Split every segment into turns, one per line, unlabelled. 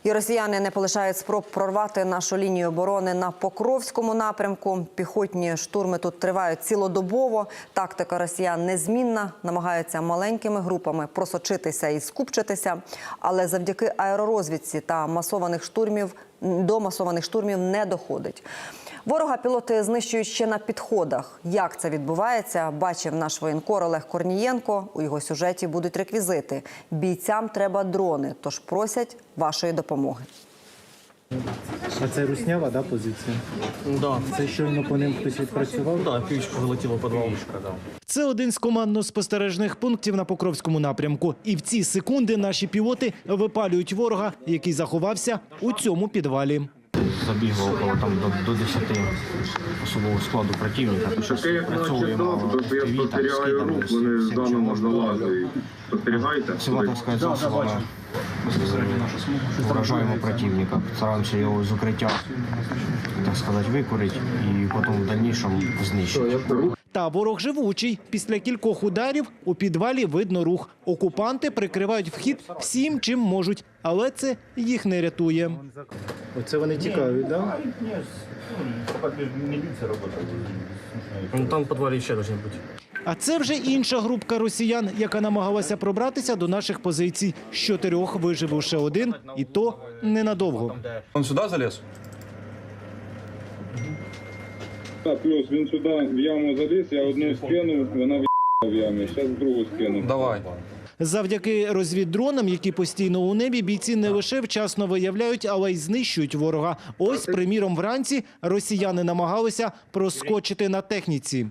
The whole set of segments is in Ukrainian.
І росіяни не полишають спроб прорвати нашу лінію оборони на Покровському напрямку. Піхотні штурми тут тривають цілодобово. Тактика росіян незмінна. Намагаються маленькими групами просочитися і скупчитися. Але завдяки аеророзвідці та до масованих штурмів не доходить. Ворога пілоти знищують ще на підходах. Як це відбувається, бачив наш воєнкор Олег Корнієнко. У його сюжеті будуть реквізити. Бійцям треба дрони, тож просять вашої допомоги.
А це руснява, да, позиція?
Да.
Це щойно по ним хтось відпрацював?
Да, півічка вилетіла в підвал.
Це один з командно-спостережних пунктів на Покровському напрямку. І в ці секунди наші пілоти випалюють ворога, який заховався у цьому підвалі.
Забігло около до 10 особового складу противника. Працюємо сепаратовською засобами. Безпосередньо вражаємо противника. Стараємося його з укриття, так сказати, викурити і потім в дальнішому знищити.
Та ворог живучий. Після кількох ударів у підвалі видно рух. Окупанти прикривають вхід всім, чим можуть. Але це їх не рятує.
Оце вони тікають, да?
Там в підвалі ще повинні бути.
А це вже інша групка росіян, яка намагалася пробратися до наших позицій. З 4 вижив лише один, і то ненадовго.
Он сюди заліз?
Так, плюс він сюди в яму заліз, я одну скинув, вона в ямі, зараз другу скину.
Давай.
Завдяки розвіддронам, які постійно у небі, бійці не лише вчасно виявляють, але й знищують ворога. Ось, приміром, вранці росіяни намагалися проскочити на техніці.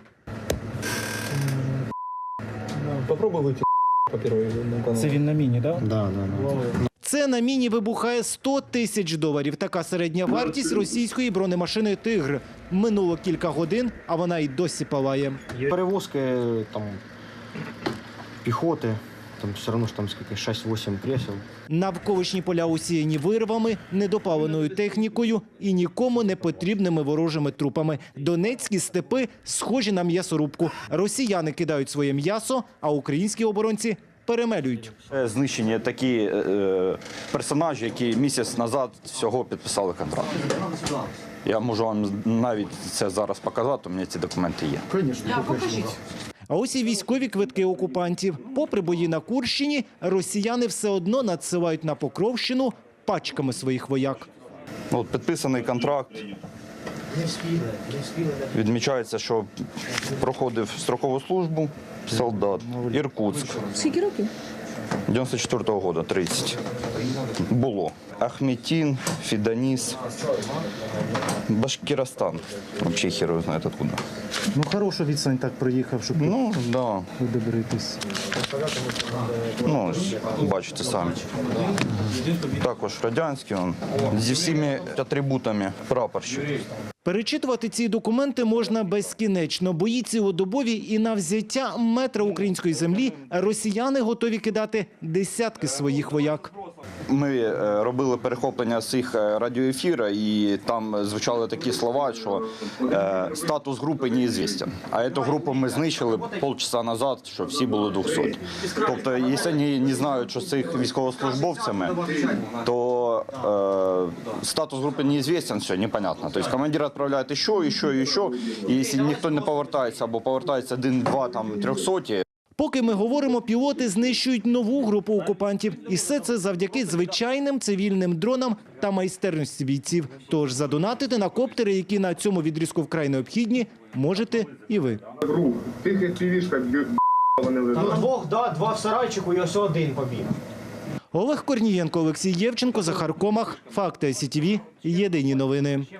Попробуй вийти по першій.
Це він на міні, да?
Да.
Це на міні вибухає $100 000. Така середня вартість російської бронемашини «Тигр». Минуло кілька годин, а вона й досі палає.
Перевозки там піхоти, там все одно ж там скільки 6-8 кресел.
Навколишні поля усіяні вирвами, недопаленою технікою і нікому не потрібними ворожими трупами. Донецькі степи схожі на м'ясорубку. Росіяни кидають своє м'ясо, а українські оборонці перемелюють.
Знищені такі персонажі, які місяць назад всього підписали контракт. Я можу вам навіть це зараз показати, у мене ці документи є.
А ось і військові квитки окупантів. Попри бої на Курщині, росіяни все одно надсилають на Покровщину пачками своїх вояк.
От підписаний контракт. Відмічається, що проходив строкову службу солдат. Іркутськ.
Скільки років?
94-го року, 30. Було. Ахметин, Фіданіс, Башкиростан. Взагалі хер знає откуда.
Ну, хорошу відстань так проїхав, щоб
Ну, да.
добритись.
Ну, ось, бачите самі. Також радянський, он, зі всіми атрибутами прапорщик.
Перечитувати ці документи можна безкінечно. Бої цілодобові і на взяття метра української землі росіяни готові кидати десятки своїх вояк.
Ми робили перехоплення з їх радіоефіру, і там звучали такі слова, що статус групи неізвістен. А цю групу ми знищили півчаса назад, що всі були 200. Тобто, якщо вони не знають, що з їх військовослужбовцями, то статус групи неізвістен, все, непонятно. Тобто командир відправляє ще, і якщо ніхто не повертається, або повертається 1-2, там 300,
Поки ми говоримо, пілоти знищують нову групу окупантів. І все це завдяки звичайним цивільним дронам та майстерності бійців. Тож задонатити на коптери, які на цьому відрізку вкрай необхідні, можете і ви.
Тих півішка вони лежать.
Два в сарайчику і ось один побіг.
Олег Корнієнко, Олексій Євченко, Захар Комах. Факти СІТВ. Єдині новини.